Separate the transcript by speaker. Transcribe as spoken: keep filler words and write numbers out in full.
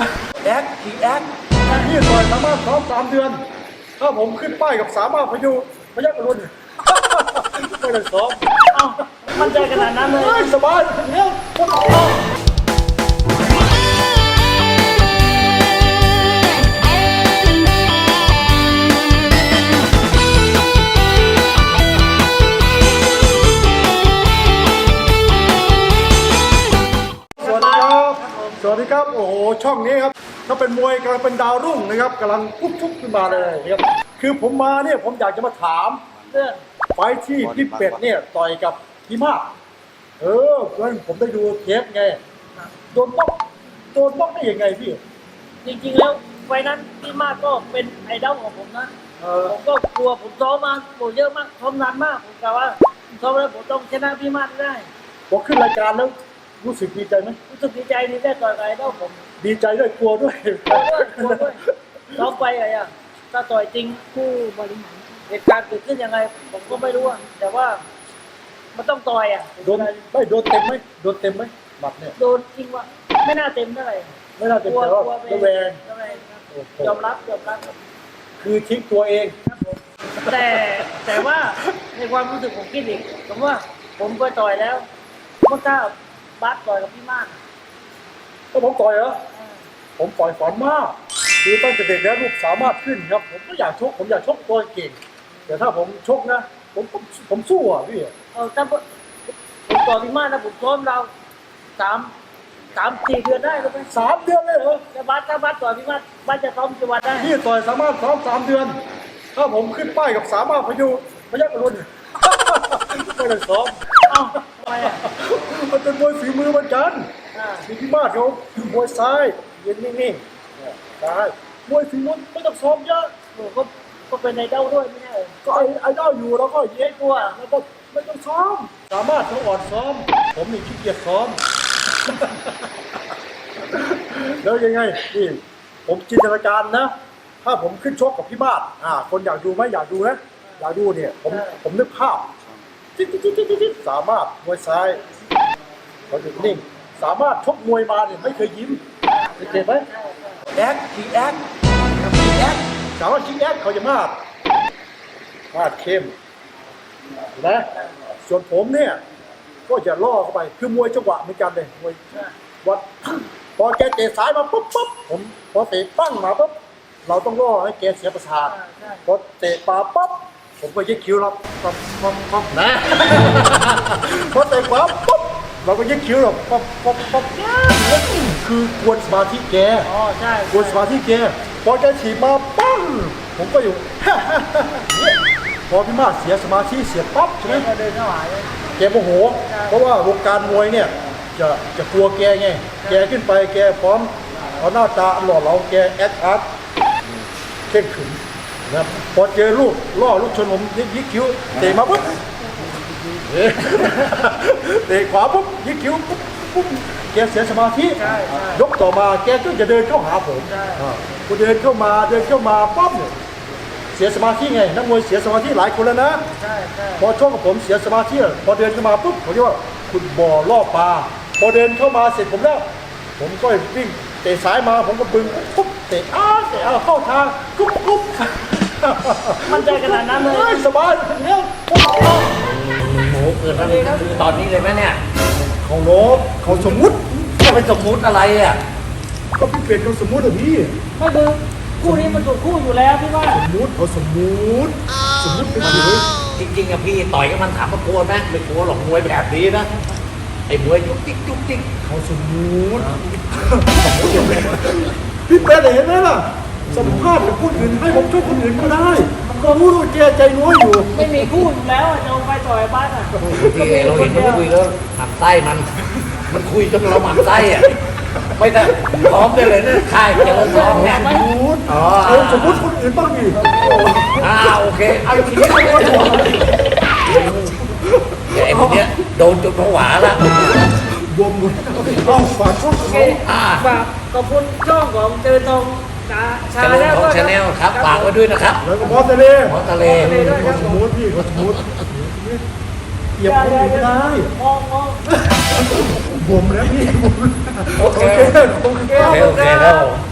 Speaker 1: แอคกี่แอค
Speaker 2: นี่ต่อยสามารถซ้อมสามเดือนถ้าผมขึ้นป้ายกับสามารถพยุพยัคฆ์อรุณไม่ได้ซ้อม
Speaker 3: เอ้ามั่นใจขนาดนั้นเลย
Speaker 2: เฮ้ยสบายเนี้ยคนออกสวัสดีครับสวัสดีครับโอ้โหช่องนี้ครับถ้าเป็นมวยกำลังเป็นดาวรุ่งนะครับกำลังปุ๊บปุ๊บขึ้นมาเลยครับคือผมมาเนี่ยผมอยากจะมาถาม
Speaker 3: เรื่อง
Speaker 2: ไฟที่พี่เป็ดเนี่ยต่อยกับพี่มากเออเพราะผมได้ดูเทปไงโดนบล็อกโดนบล็อกได้ยังไงพี่
Speaker 3: จริงๆแล้วไฟนั้นพี่มากก็เป็นไอดอลของผมนะ
Speaker 2: เออ
Speaker 3: ผมก็กลัวผมซ้อมมาผมเยอะมากซ้อมนานมากผมกะว่าซ้อมแล้วผมต้องชนะพี่มากได้
Speaker 2: พอขึ้นรายการแล้วรู้สึกดีใจไหม
Speaker 3: รู้สึกดีใจที่ได้ต่อยกับไอดอลผม
Speaker 2: ดีใจด้วยกลัวด้วย
Speaker 3: กลัวด้วยกลัวด้วยซ้อมไปอะไรอ่ะถ้าต่อยจริงผู้บริหารเหตุการณ์เกิดขึ้นยังไง ผมก็ไม่รู้อะแต่ว่ามันต้องต่อยอ่ะ
Speaker 2: โดนไม่โดนเต็มไหมโดนเต็มไหมหมัดเนี่ย
Speaker 3: โดนจริงว่าไม่น่าเต็มเท่าไหร่
Speaker 2: ไม่น่าเต็ม
Speaker 3: กลัว
Speaker 2: แต่ว่าก
Speaker 3: ลัว
Speaker 2: ระแวง
Speaker 3: ระแวงครับ
Speaker 2: โอ้โห
Speaker 3: ยอมรับยอมรับครับ
Speaker 2: คือทิ้งตัวเอง
Speaker 3: ครับผมแต่แต่ว่าในความรู้สึกผมคิดอีกผมว่าผมเคยต่อยแล้วเมื่อก้าบาสต่อยกับพี่มาก
Speaker 2: ก็ผมต่อยเหรอผมต่อยฝันมากคือตั้งแต่เด็กแล้วลูกสามารถขึ้นครับผมก็อยากชกผมอยากชกตัวเก่งแต่ถ้าผมชกนะผมผมผมสู้อ่ะพี่
Speaker 3: เออถ้าผมผมต่อยพี่มากนะผมซ้อมเราสามสามสี่เดือนได้ก็ไหม
Speaker 2: สามเดือนเลยเหรอ
Speaker 3: แต่บาสถ้าบาสต่อยพี่มากบาสจะซ้อมกี่วันได้
Speaker 2: พี่ต่อยสามารถซ้อมสามเดือน ถ้าผมขึ้นป้ายกับสามารถพยุพยัคฆ์อรุณไม่ได้ซ้อม
Speaker 3: เอ้าทำไมอ่ะ
Speaker 2: มันเป็นมวยฝีมือเหมือนกัน
Speaker 3: อ่า
Speaker 2: มีพี่มาศเขามวยซ้ายยืนนิ่งๆเนี่ยซ้ายมวยฝีมือไม่ต้องซ้อมเยอะ
Speaker 3: โอ้ก็ก็เป็นไอดอลด้วยไม่ใช่เหรอ
Speaker 2: ก็ไอ้ไอ้เจ้าอยู่แล้วก็เย้กลัวแล้วก็ไม่ต้องซ้อม สามารถเขาอ่อนซ้อม ผมนี่ขี้เกียจซ้อม แล้วยังไงนี่ผมจินตนาการนะ ถ้าผมขึ้นชกกับพี่มาศอ่า คนอยากดูไหมอยากดูนะอยากดูเนี่ยผมผมนึกภาพจิ๊ดจิ๊ดจิ๊ดจิ๊ดจิ๊ดสามารถมวยซ้ายเขาหยุดนิ่ง สามารถชกมวยมาเนี่ยไม่เคยยิ้มเจ็บไหม
Speaker 1: แอคกี่แอคกี่แอค
Speaker 2: สามารถชิงแอคเขาจะมาดมาดเข้มนะส่วนผมเนี่ยก็จะล่อเข้าไปคือมวยจังหวะเหมือนกันเลยมวยวัด พอแกเตะซ้ายมาปุ๊บปุ๊บผมพอเตะปั้งมาปุ๊บเราต้องล่อให้แกเสียประสาทพอเตะปาปุ๊บผมก็ยึดคิ้วเราปั๊บปั๊บปั๊บนะ พอเตะขวาปุ๊บเราก็ยึดคิ้วเราปั๊บปั๊บปั๊บคือกวนสมาธิแก
Speaker 3: อ๋อใช่
Speaker 2: กวนสมาธิแกพอแกฉีดมาปั้งผมก็อยู่ เนี่ยพอพี่มาศเสียสมาธิเสียปั๊บใช่ไหม
Speaker 3: ก็เดินเข้าหาเลย
Speaker 2: แกโมโหเพราะว่าวงการมวยเนี่ยจะจะกลัวแกไงแกขึ้นไปแกพร้อมเอาหน้าตาหล่อเหลาแกแอคอาร์ตเข่งขรึมนะครับพอเจอลูกล่อลูกชนผมยิกคิ้วเตะมาปุ๊บ เตะขวาปุ๊บยิกคิ้วปุ๊บปุ๊บแกเสียสมาธิยกต่อมาแกก็จะเดินเข้าหาผมพอเดินเข้ามาเดินเข้ามาปั๊บเนี่ยเสียสมาธิไงนักมวยเสียสมาธิหลายคนแล้วนะ
Speaker 3: ใช่ใช่
Speaker 2: พอชกกับผมเสียสมาธิพอเดินเข้ามาปุ๊บผมเรียกว่าคุณบ่อล่อปลาพอเดินเข้ามาเสร็จผมแล้วผมก็วิ่งเตะซ้ายมาผมก็บึงปุ๊บเตะอ้าเตะอ้าเข้าทางกุ๊บกุ๊บ
Speaker 3: มั่นใจขนาดนั้นเลย
Speaker 2: เฮ้ยสบายเนี้ย
Speaker 1: โอ้โหเกิดมาตอนนี้เลยไหมเนี่ย
Speaker 2: เขาโลบเขาสมมุติ
Speaker 1: จะเป็นสมมุติอะไรอ่ะ
Speaker 2: ก็พี่เป็ดเขาสมมุติอะพี่
Speaker 3: ก็คือคู่นี้มันถูกคู่อยู่แล้วพี่ว่า
Speaker 2: สมมุติเขาสมมุติสมมุติเป็นเฉย
Speaker 1: จริงๆอะพี่ต่อยกับมันถามว่ากลัวไหมไม่กลัวหรอกมวยแบบนี้นะไอ้มวยจุกจิกจุกจิก
Speaker 2: เขาสมมุติพี่เป็ดเห็นไหมล่ะสัมภาษณ์กับคนอื่นให้ผมช่วยคนอื่นก็ได้ก็รู้ว่าแกใจน้อยอยู่
Speaker 3: ไม่มีคู่อยู่แล้วอะจะเอาไปต่อยบ้านอ่ะ
Speaker 1: พี่เราเห็นมันคุยแล้วหมั่นไส้มัน มันคุยจนเราหมั่นไส้อ่ะไม่ได้พร้อมได้เลยนะค่ายเจริญพร้อมเนี่ย
Speaker 2: สมมุติ
Speaker 1: อ๋อ
Speaker 2: เอาสมมุติคนอื่นบ้างดิ
Speaker 1: อ่าโอเคเอาทีนี้ไอ้พวกเนี้ยโดนจนผวาแล้ว
Speaker 2: บวมหมดต้องฝากช่อง
Speaker 3: โอเค
Speaker 1: อ่า
Speaker 3: ฝากขอบคุณช่องของเจอตรงชาชา
Speaker 1: เจริญ
Speaker 3: แล้ว
Speaker 1: ของชาแนลครับฝากไว้ด้วยนะครับ
Speaker 2: แล้วก็บอสทะเล
Speaker 1: หมอทะเล
Speaker 2: เขาสมมุติพี่เขาสมมุติเหยียบคนอื่นไม่ได้
Speaker 3: มองมอง
Speaker 2: บวมแล้วพี่บวม
Speaker 1: โอเค
Speaker 2: โอเคโอเค
Speaker 1: โอเคโอเคครับผม